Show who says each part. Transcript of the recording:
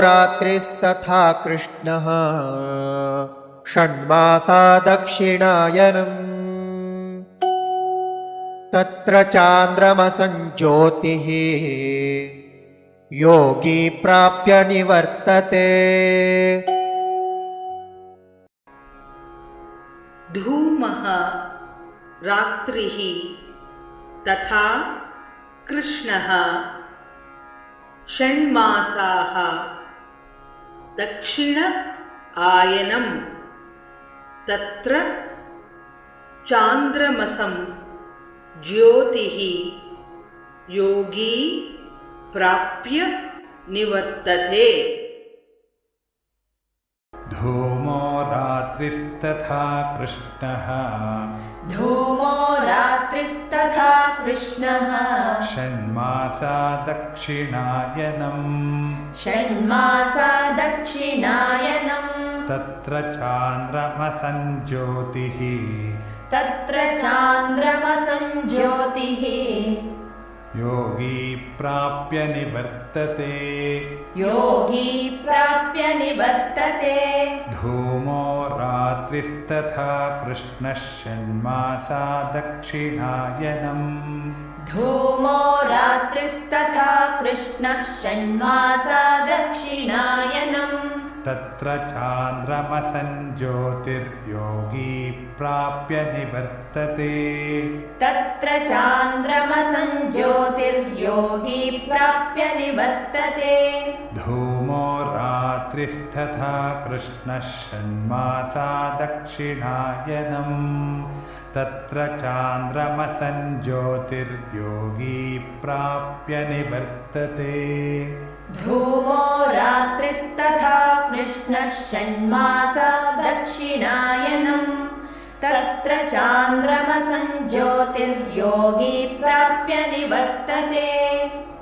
Speaker 1: रात्रिस्तथा कृष्णः षण्मासा दक्षिणायनम् तत्र चान्द्रमसं ज्योतिः योगी प्राप्य निवर्तते।
Speaker 2: धूमः रात्रिः तथा कृष्णः षण्मासाः दक्षिण आयनम् तत्र चान्द्रमसं ज्योतिः योगी प्राप्य निवर्तते।
Speaker 3: धूमो रात्रिस्तथा कृष्णः षण्मासा दक्षिणायनम् तत्र चान्द्रमसं ज्योतिः योगी प्राप्य निवर्तते। धूमो रात्रिस्तथा कृष्णः षण्मासा दक्षिणायनम् तत्र चान्द्रमसं ज्योतिर्योगी प्राप्य निवर्तते। धूमो रात्रिस्तथा कृष्णः षण्मासा दक्षिणायनम् तत्र चान्द्रमसं ज्योतिर्योगी प्राप्य निवर्तते।
Speaker 4: धूमो रात्रिस्तथा कृष्णः षण्मासा दक्षिणायनम् तत्र चान्द्रमसं ज्योतिर्योगी प्राप्य निवर्तते।